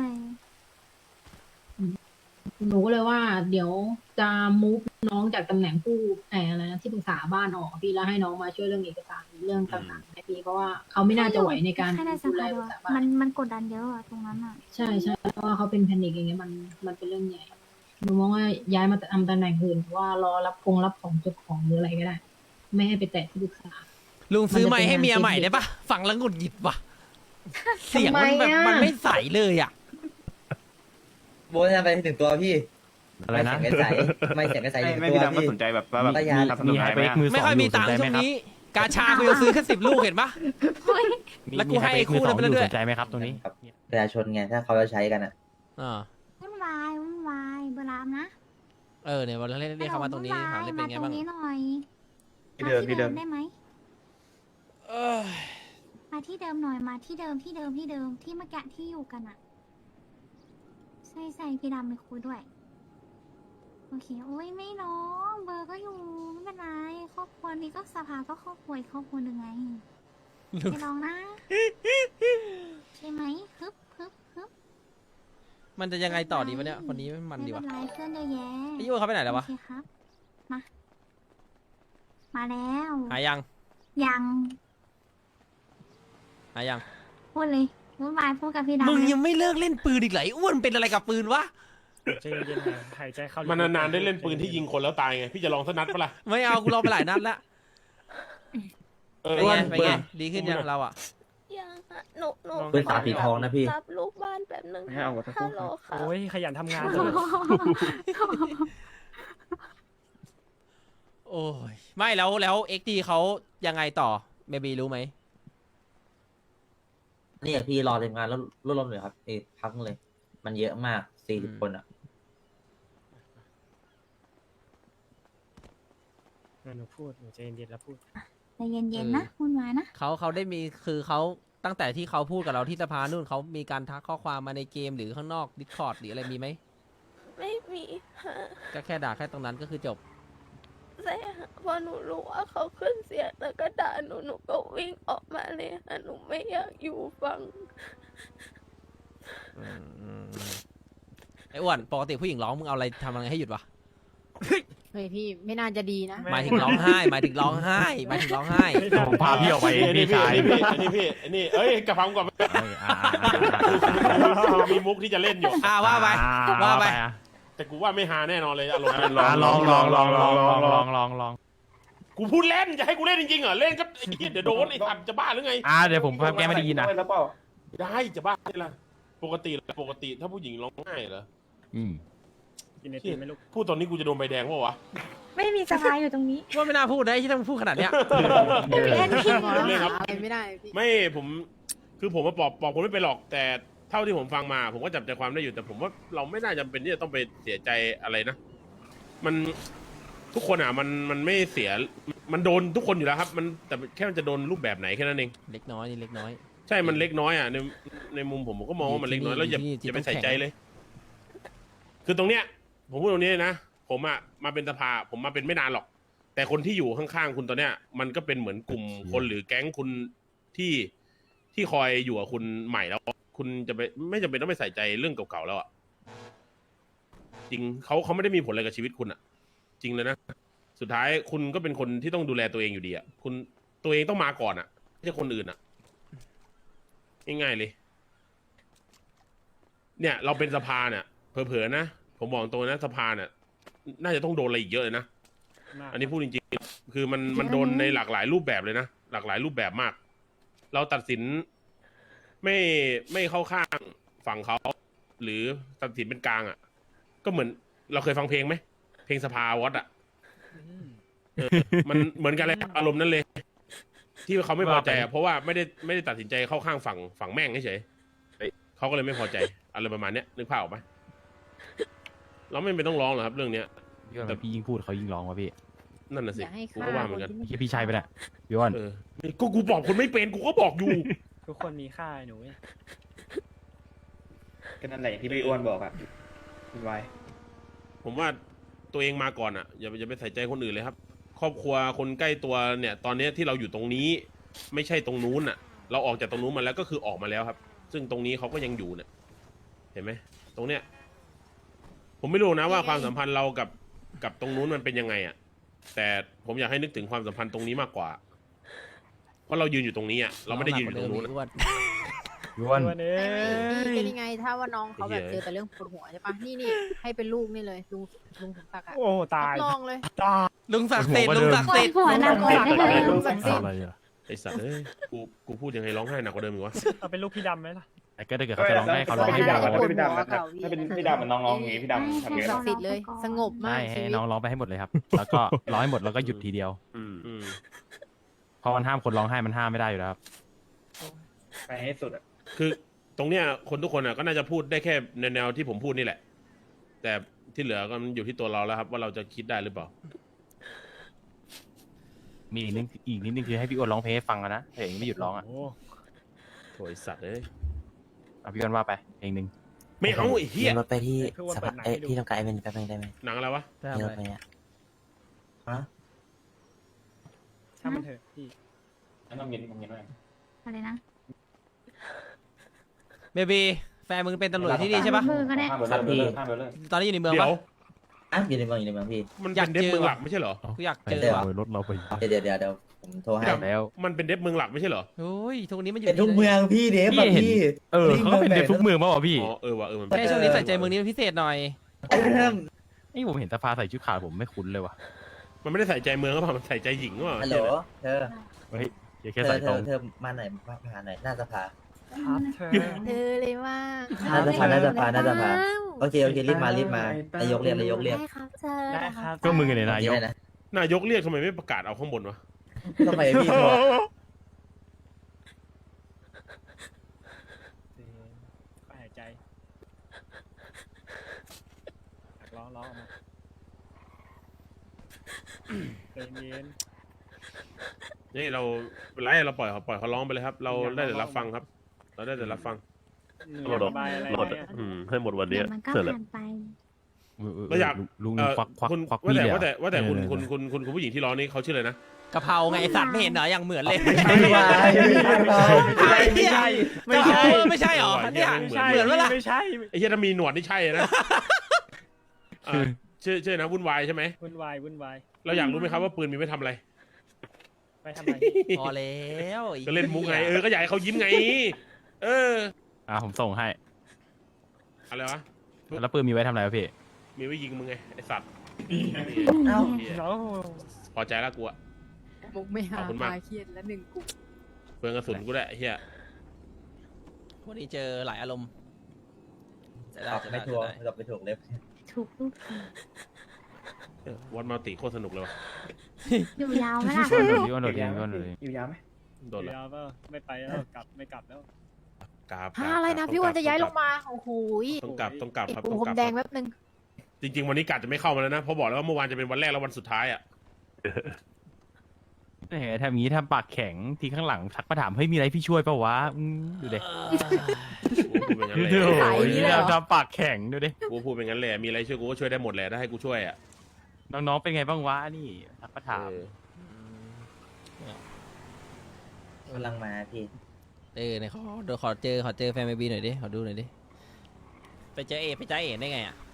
[SPEAKER 7] หนูก็เลยว่าเดี๋ยวจะมูฟน้องจากตำแหน่งผู้แอบอะไรนะที่ปรึกษาบ้านออกพี่แล้วให้น้องมาช่วยเรื่องเอกสารเรื่องต่างๆให้พี่เพราะว่าเขาไม่น่าจะไหวในการ
[SPEAKER 5] แค่ในส
[SPEAKER 7] ดูแล
[SPEAKER 5] ภา
[SPEAKER 7] ป
[SPEAKER 5] ด้
[SPEAKER 7] รึ
[SPEAKER 5] ว
[SPEAKER 7] ก
[SPEAKER 5] ย
[SPEAKER 7] ษาบ้า
[SPEAKER 5] มัน นมันกดดันเยอะอะตรงนั้นอ่ะ
[SPEAKER 7] ใช่ใช่เพราะว่าเขาเป็นแพนิคอย่างเงี้ยมันมันเป็นเรื่องใหญ่หนูมองว่าย้ายมาทำตำแหน่งอื่นว่ารอรับคงรับของจดของหรืออะไรก็ได้ ไม่ให้ไปแตะที่ปรึกษา
[SPEAKER 1] ลุงซื้อไม้ให้เมีย
[SPEAKER 7] มันจะเป็น
[SPEAKER 1] ใหม่
[SPEAKER 7] งาน
[SPEAKER 1] ได้ปะฟังแล้วหงุดหงิดว่ะเสียงมันแบบ
[SPEAKER 7] ทำไมอะ
[SPEAKER 1] มันไม่ใสเลยอ่ะ
[SPEAKER 8] โบนไปถึงตัวพี่
[SPEAKER 9] อะไรนะ
[SPEAKER 8] ไม่เสียงใสไม่เสียงใส
[SPEAKER 10] ไม่
[SPEAKER 8] ถึง
[SPEAKER 10] ไม่
[SPEAKER 8] ตัว
[SPEAKER 10] พี่ดำก็
[SPEAKER 8] พี่
[SPEAKER 10] สนใจแบบว่าแบบ
[SPEAKER 8] ก็ยา
[SPEAKER 10] ทำขน
[SPEAKER 9] มี
[SPEAKER 10] ม
[SPEAKER 9] ไฮ
[SPEAKER 10] ไทย
[SPEAKER 9] เป
[SPEAKER 10] ไหม
[SPEAKER 9] กมือสอง
[SPEAKER 1] ไม่ค่อยมีตังค์
[SPEAKER 9] สนใจ
[SPEAKER 1] ช่วง
[SPEAKER 9] ไหมครับ
[SPEAKER 1] นี้ กาชากูจะซื้อแค่สิบลูกเห็นปะ
[SPEAKER 9] มี
[SPEAKER 1] แล้วกู
[SPEAKER 9] มี
[SPEAKER 1] ให้
[SPEAKER 9] ไฮเปกมือ
[SPEAKER 1] คู่
[SPEAKER 9] สอง
[SPEAKER 1] นั้นไป
[SPEAKER 9] อยู่
[SPEAKER 1] เรื่อยๆ
[SPEAKER 9] สนใจไหมครับตรงนี้
[SPEAKER 8] ครับประชาชนไงถ้าเขาจะใช้กันอ่ะ
[SPEAKER 1] อ่า
[SPEAKER 5] วุ่นวายวุ่นวายเบอร์รามนะ
[SPEAKER 1] เออเนี่ยวันเรียกเรียกเข้ามาตรงนี้ถามได้เป็นไง
[SPEAKER 5] มาตร
[SPEAKER 1] บ้าง
[SPEAKER 5] งนี้หน่อย
[SPEAKER 10] ที่เดิมที่เดิม
[SPEAKER 5] ได้ไหม
[SPEAKER 1] เอ้ย
[SPEAKER 5] มาที่เดิมหน่อยมาที่เดิมที่เดิมที่เดิมที่เมื่อกี้ที่อยู่กันอะใช่ใช่พี่ดำไปคุยด้วยโอเคโอ้ยไม่ร้องเบอร์ก็อยู่ไม่เป็นไรครอบครัวนี้ก็สภาก็ครอบครัวอีกครอบครัวหนึ่งไงไม่ร้องนะใช่ไหมฮึบฮึบฮึบ
[SPEAKER 1] มันจะยังไงต่อดีวะเนี่ยคนนี้มันดี
[SPEAKER 5] ไม่
[SPEAKER 1] วะ
[SPEAKER 5] เป็นไรเพื่อนเยอะแยะ
[SPEAKER 1] ไอ้ยูเขาไปไหนแล้ววะ
[SPEAKER 5] โอเคครับมา มาแล้ว
[SPEAKER 1] หายยัง
[SPEAKER 5] ยัง
[SPEAKER 1] หายยัง
[SPEAKER 5] พูดเลยวุ่นวายพูดกับพี่ดำ
[SPEAKER 1] มึง
[SPEAKER 5] เลย
[SPEAKER 1] ยังไม่เลิกเล่นปืนอีกเหรอไอ้อ้วนเป็นอะไรกับปืนวะ
[SPEAKER 10] ใจเย็นๆนะหายใจเข้า
[SPEAKER 3] มันนานๆได้เล่นปืนที่ยิงคนแล้วตายไงพี่จะลองสักนัดปะล่ะ
[SPEAKER 1] ไม่เอากูลองไปหลายนัดแล้ว
[SPEAKER 3] เออ
[SPEAKER 1] เป็นไง
[SPEAKER 3] อ้วน
[SPEAKER 1] เป็นไงดีขึ้นยังเราอ่ะ
[SPEAKER 5] ยังอะหนูหนู
[SPEAKER 8] ปืนสามสีทองนะพี่
[SPEAKER 5] รับลูกบ้านแบบหนึ่ง
[SPEAKER 10] ไม่เอาหมดทั้ง
[SPEAKER 5] ฮั
[SPEAKER 10] คู่
[SPEAKER 5] ลโหลค่ะ
[SPEAKER 10] โอ้ยขยันทำงาน
[SPEAKER 1] โอ้ยไม่แล้วแล้วเอ็กดีเขายังไงต่อเบบีรู้ไหม
[SPEAKER 8] นี่พี่รอทีมงานแล้วรวบรวมเลยครับเอกพักเลย มันเยอะมากสี่สิบคนอ่ะ
[SPEAKER 10] หนูพูดหนูใจเย็นๆแล้วพูด
[SPEAKER 5] ใจเย็นๆนะวุ่นวายนะ
[SPEAKER 1] เขาเขาได้มีคือเขาตั้งแต่ที่เขาพูดกับเราที่สภานู่นเขามีการทักข้อความมาในเกมหรือข้างนอกดิสคอร์ดหรืออะไรมีไหม
[SPEAKER 5] ไม่มีฮะ
[SPEAKER 1] ก็แค่ด่าแค่ตรงนั้นก็คือจบ
[SPEAKER 5] ใช่ฮะพอหนูรู้ว่าเขาขึ้นเสียงแล้วก็ด่าหนูหนูก็วิ่งออกมาเลยฮะหนูไม่อยากอยู่ฟัง
[SPEAKER 1] อืมอืมอืมไอ้อ้วนปกติผู้หญิงร้องมึงเอาอะไรทำอะไรให้หยุดวะ
[SPEAKER 7] เฮ้ยพี่ไม่น่าจะดีนะ
[SPEAKER 1] หมายถึงร้องไห้หมายถึงร้องไห้หมายถึงร้องไห้
[SPEAKER 9] ผมพาพี่ออกไป
[SPEAKER 3] ไอ้นี่
[SPEAKER 9] พี่
[SPEAKER 3] พี่
[SPEAKER 9] ชาย
[SPEAKER 3] ไอ้นี่พี่ไอ้นี่พี่ไอ้นี่เอ้ยกระพังก่อน
[SPEAKER 9] เอ้ยอ่าอ่า
[SPEAKER 3] มีมุกที่จะเล่นอยู่
[SPEAKER 1] อ่าว่าไป
[SPEAKER 9] อ่
[SPEAKER 1] ว่าไป
[SPEAKER 9] อ่ะ
[SPEAKER 3] แต่กูว่าไม่ฮาแน่นอนเลยอารมณ์นั้น
[SPEAKER 9] อ่ะลองลองลองลองลองลองลองลอง
[SPEAKER 3] กูพูดเล่นจะให้กูเล่นจริงๆเหรอเล่นก็ไอ้เหี้ยเดี๋ยวโดนไอ้สัตว์จะบ้าหรือไง
[SPEAKER 9] อ่าเดี๋ยวผมแกไม่ได้ยินนะ
[SPEAKER 3] ได้จะบ้าได้ละปกติปกติถ้าผู้หญิงร้องไห้เหรอ
[SPEAKER 9] อืม
[SPEAKER 10] กินไอติมไหมลูก
[SPEAKER 3] พูดตอนนี้กูจะโดนใบแดงเปล่าวะ
[SPEAKER 5] ไม่มีสภาอยู่ตรงนี้
[SPEAKER 1] ว่าไม่น่าพูดนะที่ต้องพูดขนาดเนี้ย
[SPEAKER 5] เล่นพี่
[SPEAKER 3] เล่นครับ
[SPEAKER 7] ไม่ได้พี่
[SPEAKER 3] ไม่ผมคือผมมาปอบปอบผมไม่ไปหรอกแต่เท่าที่ผมฟังมา ผมก็จับใจความได้อยู่แต่ผมว่าเราไม่น่าจำเป็นที่จะต้องไปเสียใจอะไรนะ มันทุกคนอ่ะมันมันไม่เสียมันโดนทุกคนอยู่แล้วครับ มันแต่แค่มันจะโดนรูปแบบไหนแค่นั้นเอง
[SPEAKER 1] เล็กน้อยนี่เล็กน้อย
[SPEAKER 3] ใช่มันเล็กน้อยอ่ะในในมุมผมผมก็มองว่ามันเล็กน้อยแล้วอย่า
[SPEAKER 1] ที่นี่ที่
[SPEAKER 3] อย่าไป
[SPEAKER 1] ต้อง
[SPEAKER 3] ใส่
[SPEAKER 1] แข่ง
[SPEAKER 3] ใจเลย คือตรงเนี้ย ผมพูดตรงนี้เลยนะผมอ่ะมาเป็นสภาผมมาเป็นไม่นานหรอก แต่คนที่อยู่ข้างๆคุณตอนเนี้ย มันก็เป็นเหมือนกลุ่มคนหรือแก๊งคุณที่ที่คอยอยู่กับคุณใหม่แล้ว คุณจะไปไม่จำเป็นต้องไปใส่ใจเรื่องเก่าๆแล้วอ่ะจริงเขาเขาไม่ได้มีผลอะไรกับชีวิตคุณอ่ะ จริงเลยนะสุดท้ายคุณก็เป็นคนที่ต้องดูแลตัวเองอยู่ดีอ่ะคุณตัวเองต้องมาก่อนอ่ะไม่ใช่คนอื่นอ่ะง่ายๆเลย เนี่ย เราเป็นสภาเนี่ยเผลอๆนะผมบอกตัวนะสภาเนี่ยน่าจะต้องโดนอะไรอีกเยอะเลยนะ อันนี้พูดจริงๆคือมันมันโดนในหลากหลายรูปแบบเลยนะหลากหลายรูปแบบมาก เราตัดสินไม่ไม่เข้าข้างฝั่งเขาหรือตัดสินเป็นกลางอ่ะ ก็เหมือนเราเคยฟังเพลงไหมเพลงสภาวอตอ่ะเออมันเหมือนกันเลยอารมณ์นั้นเลย ที่เขาไม่พอใจอ่ะเพราะว่าไม่ได้ไม่ได้ตัดสินใจเข้าข้างฝั่งฝั่งแม่งเฉยๆเขาก็เลยไม่พอใจอะไรประมาณเนี้ยนึกภาพออกไหมเราไม่เป็นต้องร้องหรอกครับ เรื่องเนี้ย
[SPEAKER 9] พี่อ้วนพี่ยิ่งพูดเขายิ่งร้องวะพี่
[SPEAKER 3] นั่นน่ะสิ
[SPEAKER 5] อย่าให้
[SPEAKER 3] กู
[SPEAKER 5] ฆ่า
[SPEAKER 3] ก็ว่าเหมือนกัน
[SPEAKER 5] คนที่
[SPEAKER 9] พี่พี่ชัยไปแหละพี่อ้วน
[SPEAKER 3] เออกูกูบอกคนไม่เป็นกูก็บอกอยู่
[SPEAKER 10] ทุกคนมีค่าหนูเว้ย
[SPEAKER 11] ก็นั่นแหละที่พี่อ้วนบอกอะคุณไว
[SPEAKER 3] ผมว่าตัวเองมาก่อนอ่ะอย่าอย่าไปใส่ใจคนอื่นเลยครับ ครอบครัวคนใกล้ตัวเนี่ย ตอนเนี้ยที่เราอยู่ตรงนี้ ไม่ใช่ตรงนู้นอ่ะ เราออกจากตรงนู้นมาแล้วก็คือออกมาแล้วครับ ซึ่งตรงนี้เขาก็ยังอยู่เนี่ยเห็นไหมตรงเนี้ยผมไม่รู้นะว่าความสัมพันธ์เรากับกับตรงนู้นมันเป็นยังไงอ่ะ แต่ผมอยากให้นึกถึงความสัมพันธ์ตรงนี้มากกว่า เพราะเรายืนอยู่ตรงนี้อ่ะเราไม่ได้ยืนอยู่ตรงนู้นอะ
[SPEAKER 1] อ้วน
[SPEAKER 9] พี่อ้วน
[SPEAKER 10] อ้วนเอ้ย
[SPEAKER 5] เป็นยังไงถ้าว่าน้องเขาแบบ
[SPEAKER 3] ไอ้เหี้
[SPEAKER 5] เจอย แต่เรื่องปวดหัวใช่ปะนี่นี่ให้เป็นลูกนี่เลยลุงลุงสมศักดิ์อะ
[SPEAKER 10] โอ้ตาย
[SPEAKER 5] รับรองเลย
[SPEAKER 1] ลุงศักดิ์สิทธิ์ลุงศักดิ์สิทธิ์
[SPEAKER 5] หัวหนักกว่าได้เลยลุงศักดิ์สิทธิ์
[SPEAKER 9] อะไรอ่ะ
[SPEAKER 3] ไอสัตว์เอ้ยกูกูพูดยังไงร้องไห้หนักกว่าเดิมอีกวะ
[SPEAKER 10] เอาเป็นลูกพี่ดำไหมล่ะ
[SPEAKER 9] แต่ก็ถ้าเกิดเขาจะร้องให้เขาร้อง
[SPEAKER 11] ถ้า
[SPEAKER 9] ให้
[SPEAKER 11] เป็น
[SPEAKER 9] ได้
[SPEAKER 11] พี่ดำอะถ้าเป็นพี่ดำอะถ้าเป็นพี่ดำมันน้องร้องอย่างงี้พี่ดำทำ
[SPEAKER 5] ลุ
[SPEAKER 11] ยัง งไง
[SPEAKER 5] ศักดิ์สิทธิ์เลย สงบมา
[SPEAKER 9] ใช่
[SPEAKER 5] ก
[SPEAKER 9] ให้
[SPEAKER 5] ชีวิต
[SPEAKER 9] น้องร้องไปให้หมดเลยครับ แล้วก็ร้องให้หมดแล้วก็หยุดทีเดียว
[SPEAKER 3] อืมอืม
[SPEAKER 9] เพราะมันห้ามคนร้องไห้มันห้ามไม่ได้อยู่แล้วครับ
[SPEAKER 11] ไปให้สุดอะ
[SPEAKER 3] คือตรงเนี้ยคนทุกคนอ่ะก็น่าจะพูดได้แค่ในแนวที่ผมพูดนี่แหละ แต่ที่เหลือก็มันอยู่ที่ตัวเราแล้วครับ ว่าเราจะคิดได้หรือเปล่า
[SPEAKER 9] มีอีกนิดอีกนิดนึงคือให้พี่อ้วนร้องเพลงให้ฟังอะนะเพลงไม่หยุดร้องอ่ะ
[SPEAKER 10] โอ้
[SPEAKER 3] โถยสัตว์เอ้ย
[SPEAKER 9] เอาพี่อ้วนว่าไปเพลงหนึ่ง
[SPEAKER 3] ไม่เอาไอ้เหี้ย
[SPEAKER 8] รถไปที่
[SPEAKER 10] พี่อ้วนเปิดหนังให้ดู
[SPEAKER 8] ที่ทำการไอเวนแป๊บนึงได้ไหม
[SPEAKER 3] หนังอะไรวะ
[SPEAKER 1] ทำอะไร
[SPEAKER 8] ฮะ
[SPEAKER 10] ช่างมันเถอะพี่
[SPEAKER 11] นั่นต้องเย็นต้องเย็นไว้
[SPEAKER 5] อะไรนะ
[SPEAKER 1] เบบีแฟนมึงเป็นตำรวจที่นี่ใช่ปะ
[SPEAKER 11] ข้ามไปเลยเลยข้ามไปเลย
[SPEAKER 1] ตอนนี้อยู่ในเมือง
[SPEAKER 3] เดี๋ย
[SPEAKER 1] ปะ
[SPEAKER 3] ว
[SPEAKER 8] อ่ะอยู่ในเมืองอยู่ในเมืองพี่
[SPEAKER 3] มัน
[SPEAKER 1] อยา
[SPEAKER 3] เป็
[SPEAKER 1] ก
[SPEAKER 3] นเดฟ
[SPEAKER 1] เจอ
[SPEAKER 3] เมืองหลั
[SPEAKER 1] ว่ะ
[SPEAKER 3] กไม่ใช่เหรอ
[SPEAKER 1] กูอยากเจอ
[SPEAKER 8] เดี๋ยว
[SPEAKER 1] ว่ะ
[SPEAKER 9] รถเราไป
[SPEAKER 8] เดี๋ยวเดี๋ยวเดี๋ยวผมโทรให้
[SPEAKER 9] แล้ว
[SPEAKER 3] มันเป็นเดฟเมืองหลักไม่ใช่เหรอ
[SPEAKER 1] โอ้ยทุกนี้มันอยู่
[SPEAKER 8] เป็นทุกเมืองพี่เดฟ
[SPEAKER 9] พี่
[SPEAKER 8] อะ
[SPEAKER 9] เห็น
[SPEAKER 8] พี่
[SPEAKER 9] เออเขาก็เป็นเด็กทุกเมืองป่าวะพี่
[SPEAKER 3] อ๋อเออว่ะเออมัน
[SPEAKER 1] แค่ช่วงนี้ใส่ใจเมืองนี้เป็นพิเศษหน่อย
[SPEAKER 9] นี่ผมเห็นตาฟ้าใส่ชุดขาวผมไม่คุ้นเลยว่ะ
[SPEAKER 3] มันไม่ได้ใส่ใจเมืองก็เปล่ามันใส่ใจหญิงก็เปล่า
[SPEAKER 8] ฮัลโหลเธอ
[SPEAKER 9] เฮ้ยอย่า
[SPEAKER 8] เธ
[SPEAKER 9] แค่
[SPEAKER 8] อ
[SPEAKER 9] ใส่
[SPEAKER 8] เธ
[SPEAKER 9] ตร
[SPEAKER 8] อง เธอมาไหนมาหาหน่อยหน้าสภา
[SPEAKER 10] ครับเธอ
[SPEAKER 5] เธอเลยว่า
[SPEAKER 8] น่าจะพาน่าจะพาน่าจะพา โอเคโอเครีบมารีบมานายกเรียกนายกเรียก
[SPEAKER 5] ได้ครับเธอ
[SPEAKER 10] ได้ครับ
[SPEAKER 9] ก็มึงไงเนี่ยนายก
[SPEAKER 8] ได้นะ
[SPEAKER 3] นายกเรียกทำไมไม่ประกาศเอาข้างบนวะ
[SPEAKER 8] ทำไมพี่โทร
[SPEAKER 10] หายใจร้องร้องออกมาใจเย็น
[SPEAKER 3] นี่เราเป็นไรเราปล่อยเขาปล่อยเขาร้องไปเลยครับ เราได้แต่รับฟังครับ เราได้แต่รับฟัง
[SPEAKER 10] หนูอยากระบายอะไร
[SPEAKER 6] รถ
[SPEAKER 10] เนี่ย
[SPEAKER 6] อืมให้หมดวันเนี้ย
[SPEAKER 5] มันก็
[SPEAKER 6] เสร็จแล้ว
[SPEAKER 5] ผ่านไป
[SPEAKER 3] เราอยาก
[SPEAKER 9] ลุง
[SPEAKER 3] เอ่อ
[SPEAKER 9] ควักควัก
[SPEAKER 3] คุณ
[SPEAKER 9] ควัก
[SPEAKER 3] ว่า
[SPEAKER 9] มีด
[SPEAKER 3] แต่
[SPEAKER 9] เลย
[SPEAKER 3] ว่าแต่ว่าแต่คุณ
[SPEAKER 9] เออ
[SPEAKER 3] คุณคุณคุณคุณผู้หญิงที่ร้องนี่เขาชื่ออะไรนะ
[SPEAKER 1] กะเพราไงไอสัตว์ไม่เห็นเหรออย่างเหมือนเลย
[SPEAKER 8] ไม่ใช่ไม่ใช่ไม่ใช่
[SPEAKER 1] ไม่ใช่ ไม่ใช่เหรอเนี่ย
[SPEAKER 10] ไม่ใช่
[SPEAKER 1] เหมือนเวลา
[SPEAKER 10] ไม่ใช่
[SPEAKER 3] ไอ้เหี้ยถ้ามีหนวดนี่ใช่นะเอ่อชื่อชื่อนะวุ่นวายใช่ไหม
[SPEAKER 10] วุ่นวายวุ่นวาย
[SPEAKER 3] เราอยากรู้ไหมครับว่าปืนมีไว้ทำอะไร
[SPEAKER 10] ไปทำอะไร
[SPEAKER 1] พอแล้วไอ้
[SPEAKER 3] ก็เล่นมุกไงเออก็อยากให้เขายิ้มไง เออ
[SPEAKER 9] อ่ะผมส่งให้
[SPEAKER 3] อะไรวะ
[SPEAKER 9] แล้วปืนมีไว้ทำอะไรวะพี่
[SPEAKER 3] มีไว้ยิงมึงไงไอสัตว์
[SPEAKER 8] เอ้า
[SPEAKER 3] เหี้ย
[SPEAKER 10] เนาะ
[SPEAKER 3] พอใจแล้วกูอะ
[SPEAKER 5] มุกไม่หา
[SPEAKER 3] ขอบคุณมาก
[SPEAKER 5] พาเครียดแล้วหนึ่งกู
[SPEAKER 3] เปลืองกระสุนกูแหละไอ้เฮีย
[SPEAKER 1] วันนี้เจอหลายอารมณ์จะได้
[SPEAKER 8] ตอบ
[SPEAKER 1] จะได้
[SPEAKER 8] ไม่ถู
[SPEAKER 1] จะ
[SPEAKER 8] ก
[SPEAKER 1] ได้
[SPEAKER 8] ตอบไม่ถูกเล็บ
[SPEAKER 5] ถูกลูก
[SPEAKER 3] เออวันมัลติโคตรสนุกเลยว่ะ
[SPEAKER 5] อยู่ยาวไหมล่ะ
[SPEAKER 9] พี่อ้วนโดดพี่อ้วนโดดพี่อ้วนโดด
[SPEAKER 11] อยู่ยาวไหม
[SPEAKER 3] โดนละ
[SPEAKER 10] เดี๋ยวเปล่าไม่ไปแล้วกลับไม่กลับแล้ว
[SPEAKER 3] กราบ
[SPEAKER 5] ฮะอะไรนะพี่วันจะย้ายลงมา โอ้โห
[SPEAKER 3] ต้องกลับต้องกลับ
[SPEAKER 5] ติด
[SPEAKER 3] ครับ
[SPEAKER 5] ปู
[SPEAKER 3] ต้อง
[SPEAKER 5] พร
[SPEAKER 3] กลั
[SPEAKER 5] ม
[SPEAKER 3] บ
[SPEAKER 5] แดง
[SPEAKER 3] ครับ
[SPEAKER 5] แป๊บนึง
[SPEAKER 3] จริง ๆ วันนี้กาจะไม่เข้ามาแล้วนะเพราะบอกแล้วว่าเมื่อวานจะเป็นวันแรกแล้ววันสุดท้ายอ่ะ
[SPEAKER 9] เฮ้ยทำอย่างนี้ทำปากแข็งทีข้างหลังทักมาถามเฮ้ยมีอะไรพี่ช่วยเปล่าวะอืมดูดิ
[SPEAKER 3] กูพูดเป็นงั้น
[SPEAKER 9] ดู
[SPEAKER 3] เลย
[SPEAKER 9] ดิ
[SPEAKER 5] ขายอย่างนี้เลยเหรอ
[SPEAKER 9] ทำปากแข็งดูดิ
[SPEAKER 3] กูพูดเป็นงั้นเลยมีอะไรช่วยกูก็ช่วยได้หมดแหละถ้าให้กูช่วยอ่ะ
[SPEAKER 9] น้องๆเป็นไงบ้างวะนี่ทักมาถาม
[SPEAKER 3] เออก
[SPEAKER 8] ำลังมาพี่
[SPEAKER 1] เออเนี่ยขอเดี๋ยวขอเจอขอเจอแฟนเบบีหน่อยดิขอดูหน่อยดิไปเจอเอไปเจอเอได้ไงอ่ะ